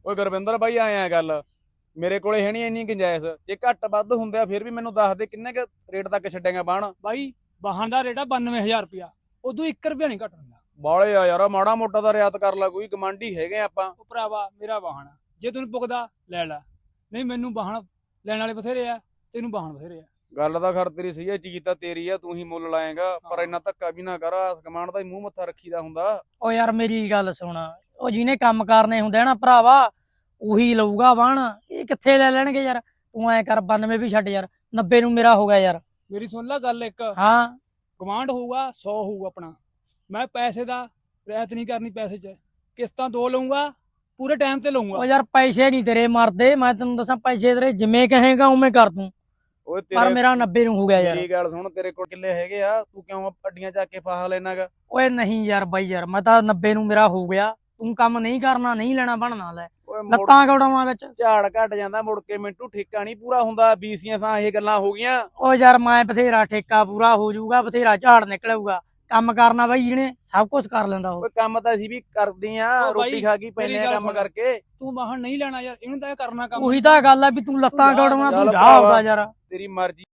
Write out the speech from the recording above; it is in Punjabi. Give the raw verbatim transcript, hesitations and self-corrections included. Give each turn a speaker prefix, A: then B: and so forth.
A: ਓਏ ਗੁਰਵਿੰਦਰ ਬਾਈ ਆਇਆ ਗੱਲ ਮੇਰੇ ਕੋਲੇ ਹੈ ਨਹੀਂ ਇੰਨੀ ਗੁੰਜਾਇਸ਼। ਜੇ ਘੱਟ ਵੱਧ ਹੁੰਦੇ ਆ ਫਿਰ ਵੀ ਮੈਨੂੰ ਦੱਸ ਦੇ ਕਿੰਨੇ ਕ ਰੇਟ ਤੱਕ ਛੱਡੇਗਾ ਬਾਣ।
B: ਬਾਈ ਵਾਹਣ ਦਾ ਰੇਟ ਆ ਬਾਨਵੇਂ ਹਜ਼ਾਰ ਰੁਪਇਆ, ਉਦੋਂ ਇੱਕ ਰੁਪਇਆ ਨਹੀਂ ਘੱਟ ਹੁੰਦਾ।
A: ਬਾਲੇ ਆ ਯਾਰ, ਮਾੜਾ ਮੋਟਾ ਦਾ ਰਿਆਤ ਕਰ ਲਾ, ਕੋਈ ਗਮਾਂਡੀ ਹੈਗੇ ਆਪਾਂ।
B: ਉਹ ਭਰਾਵਾ ਮੇਰਾ ਵਾਹਣ ਆ, ਜੇ ਤੈਨੂੰ ਪੁੱਗਦਾ ਲੈ ਲੈ, ਨਹੀਂ ਮੈਨੂੰ ਵਾਹਣ ਲੈਣ ਵਾਲੇ ਬਥੇਰੇ ਆ, ਤੈਨੂੰ ਵਾਹਣ ਬਥੇਰੇ ਆ।
A: ਗੱਲ ਤਾਂ ਖਰ ਤੇਰੀ ਸਹੀ ਹੈ, ਚੀਜ਼ ਤਾਂ ਤੇਰੀ ਆ, ਤੂੰ ਹੀ ਮੁੱਲ ਲਾਏਗਾ। ਪਰ ਇੰਨਾ ਧੱਕਾ ਵੀ ਨਾ ਕਰ, ਕਮਾਂਡ ਦਾ ਹੀ ਮੂੰਹ ਮੱਥਾ ਰੱਖੀਦਾ ਹੁੰਦਾ।
C: ਉਹ ਯਾਰ ਮੇਰੀ ਗੱਲ ਸੁਣ, ਉਹ ਜਿਹਨੇ ਕੰਮ ਕਰਨੇ ਹੁੰਦੇ ਆ ਨਾ ਭਰਾਵਾ, ਉਹੀ ਲਊਗਾ ਵਾਹਣ। ਇਹ ਕਿੱਥੇ ਲੈ ਲੈਣਗੇ ਯਾਰ। ਤੂੰ ਐ ਕਰ ਬਾਨਵੇਂ ਵੀ ਛੱਡ ਯਾਰ, ਨੱਬੇ ਨੂੰ ਮੇਰਾ ਹੋ ਗਿਆ ਯਾਰ।
B: ਮੇਰੀ ਸੁਣ ਲੈ ਗੱਲ ਇੱਕ,
C: ਹਾਂ
B: ਗਵਾਂਢ ਹੋਊਗਾ ਸੌ ਹੋਊਗਾ ਆਪਣਾ। ਮੈਂ ਪੈਸੇ ਦਾ ਰਹਿਤ ਨਹੀਂ ਕਰਨੀ, ਪੈਸੇ 'ਚ ਕਿਸ਼ਤਾਂ ਦੋ ਲਊਂਗਾ, ਪੂਰੇ ਟਾਈਮ ਤੇ ਲਊਂਗਾ।
C: ਉਹ ਯਾਰ ਪੈਸੇ ਨਹੀਂ ਤੇਰੇ ਮਰਦੇ, ਮੈਂ ਤੈਨੂੰ ਦੱਸਾਂ ਪੈਸੇ ਤੇਰੇ ਜਿਵੇਂ ਕਹੇਗਾ ਉਵੇਂ ਕਰ ਦੂੰ।
A: ਓਏ
C: ਪਰ ਮੇਰਾ ਨੱਬੇ ਨੂੰ ਹੋ ਗਿਆ ਯਾਰ।
A: ਮੇਰੀ ਗੱਲ ਸੁਣ, ਤੇਰੇ ਕੋਲ ਕਿੱਲੇ ਹੈਗੇ ਆ, ਤੂੰ ਕਿਉਂ ਅੱਡੀਆਂ ਚੱਕ ਕੇ ਫਾਹਾ ਲੈਣਾਗਾ?
C: ਓਏ ਨਹੀਂ ਯਾਰ ਬਾਈ ਯਾਰ, ਮੈਂ ਤਾਂ ਨੱਬੇ ਨੂੰ ਮੇਰਾ ਹੋ ਗਿਆ। ਤੂੰ ਕੰਮ ਨਹੀਂ ਕਰਨਾ, ਨਹੀਂ ਲੈਣਾ ਬਣਨਾ ਲੈ,
A: ਓਏ ਮੁੜ
C: ਲੱਤਾਂ ਕੌੜਾਵਾਂ ਵਿੱਚ।
A: ਝਾੜ ਘਟ ਜਾਂਦਾ ਮੁੜ ਕੇ, ਮਿੰਟੂ ਠੇਕਾ ਨਹੀਂ ਪੂਰਾ ਹੁੰਦਾ। ਬੀਸੀਆਂ ਤਾਂ ਇਹ ਗੱਲਾਂ ਹੋ ਗਈਆਂ।
C: ਓ ਯਾਰ ਮੈਂ ਬਥੇਰਾ ਠੇਕਾ ਪੂਰਾ ਹੋ ਜਾਊਗਾ, ਬਥੇਰਾ ਝਾੜ ਨਿਕਲੂਗਾ। ਕੰਮ ਕਰਨਾ ਬਾਈ ਜਿਹਨੇ ਸਭ ਕੁਝ ਕਰ ਲੈਂਦਾ ਉਹ।
A: ਓਏ ਕੰਮ ਤਾਂ ਅਸੀਂ ਵੀ ਕਰਦੇ ਆ,
B: ਓ ਬਾਈ,
A: ਰੋਟੀ ਖਾ ਕੇ ਪੈਨੇ
B: ਮੇਰੀ
A: ਆ
B: ਗੱਲ
A: ਕੰਮ
B: ਸੁਣ।
A: ਕਰਕੇ।
B: ਤੂੰ ਵਾਹਣ ਨਹੀਂ ਲੈਣਾ ਯਾਰ, ਇਹਨੂੰ ਤਾਂ ਇਹ ਕਰਨਾ ਕੰਮ।
C: ਉਹੀ ਤਾਂ ਗੱਲ ਆ ਵੀ ਤੂੰ ਲੱਤਾਂ
B: ਚੱਲ
C: ਕੌੜਾਵਾਂ, ਤੂੰ
A: ਚੱਲ
C: ਜਾ
A: ਭਰਾਵਾ।
C: ਆਉਂਦਾ ਯਾਰ।
A: ਤੇਰੀ ਮਰਜ਼ੀ।